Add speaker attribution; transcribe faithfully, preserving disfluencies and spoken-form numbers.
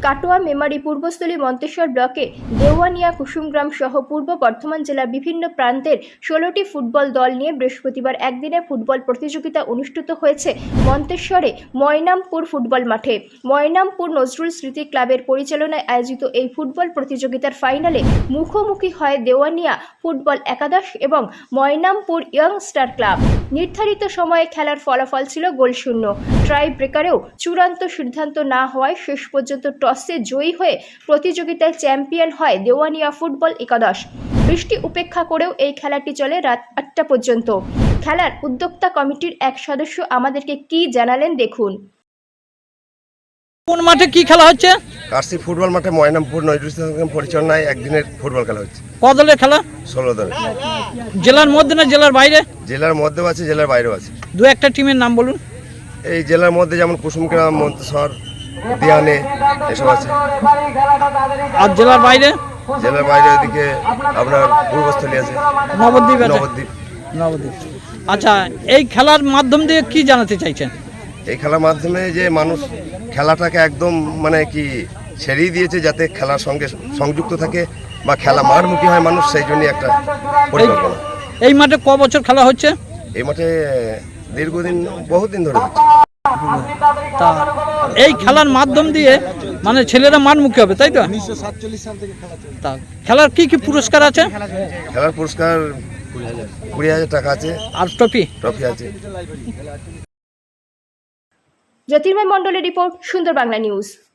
Speaker 1: কাটোয়া মেমারি পূর্বস্থলী মন্তেশ্বর ব্লকে দেওয়ানিয়া কুসুমগ্রাম সহ পূর্ব বর্ধমান জেলার বিভিন্ন প্রান্তের ষোলোটি ফুটবল দল নিয়ে বৃহস্পতিবার একদিনের ফুটবল প্রতিযোগিতা অনুষ্ঠিত হয়েছে মন্তেশ্বরে ময়নামপুর ফুটবল মাঠে। ময়নামপুর নজরুল স্মৃতি ক্লাবের পরিচালনায় আয়োজিত এই ফুটবল প্রতিযোগিতার ফাইনালে মুখোমুখি হয় দেওয়ানিয়া ফুটবল একাদশ এবং ময়নামপুর ইয়ং স্টার ক্লাব। নির্ধারিত সময়ে খেলার ফলাফল ছিল গোলশূন্য। ট্রাই ব্রেকারেও চূড়ান্ত সিদ্ধান্ত না হওয়ায় শেষ পর্যন্ত টসে জয়ী হয়ে প্রতিযোগিতায় চ্যাম্পিয়ন হয় দেওয়ানিয়া ফুটবল একাদশ। বৃষ্টি উপেক্ষা করেও এই খেলাটি চলে রাত আটটা পর্যন্ত। খেলার উদ্যোক্তা কমিটির এক সদস্য আমাদেরকে কি জানালেন দেখুন।
Speaker 2: কোন মাঠে কি খেলা হচ্ছে?
Speaker 3: কাশি ফুটবল মাঠে ময়নামপুর নজরুল ইসলাম পরিচালনায় একদিনের ফুটবল খেলা হচ্ছে।
Speaker 2: কত দলের খেলা? ষোলো
Speaker 3: দলের।
Speaker 2: জেলার মধ্যে না জেলার বাইরে?
Speaker 3: জেলার মধ্যেও আছে, জেলার বাইরেও আছে।
Speaker 2: দু একটা টিমের নাম বলুন।
Speaker 3: এই জেলার মধ্যে যেমন কুসুমগ্রাম, মন্তেশ্বর, দিয়ানে এসব আছে।
Speaker 2: আর জেলার বাইরে?
Speaker 3: জেলার বাইরে ওইদিকে আপনার পূর্বস্থলী আছে,
Speaker 2: নবদ্বীপ আছে।
Speaker 3: নবদ্বীপ
Speaker 2: নবদ্বীপ আচ্ছা, এই খেলার মাধ্যম দিয়ে কি জানাতে চাইছেন?
Speaker 3: এই খেলার মাধ্যমে যে মানুষ খেলাটাকে একদম মানে কি ছেড়েই দিয়েছে, যাতে খেলার সঙ্গে সংযুক্ত থাকে বা খেলা মাঠমুখী হয় মানুষ, সেই জন্যই একটা পরিকল্পনা।
Speaker 2: এই মাঠে ক বছর খেলা হচ্ছে? এই
Speaker 3: মাঠে দীর্ঘদিন, বহুদিন ধরে হচ্ছে।
Speaker 2: তা এই খেলার মাধ্যম দিয়ে মানে ছেলেরা মাঠমুখী হবে, তাই তো? উনিশশো সাতচল্লিশ সাল থেকে খেলা চলছে। তা খেলার কি কি পুরস্কার আছে?
Speaker 3: খেলার পুরস্কার কুড়ি হাজার টাকা আছে,
Speaker 2: আর ট্রফি
Speaker 3: ট্রফি আছে।
Speaker 1: জ্যোতির্ময় মণ্ডলের রিপোর্ট, সুন্দর বাংলা নিউজ।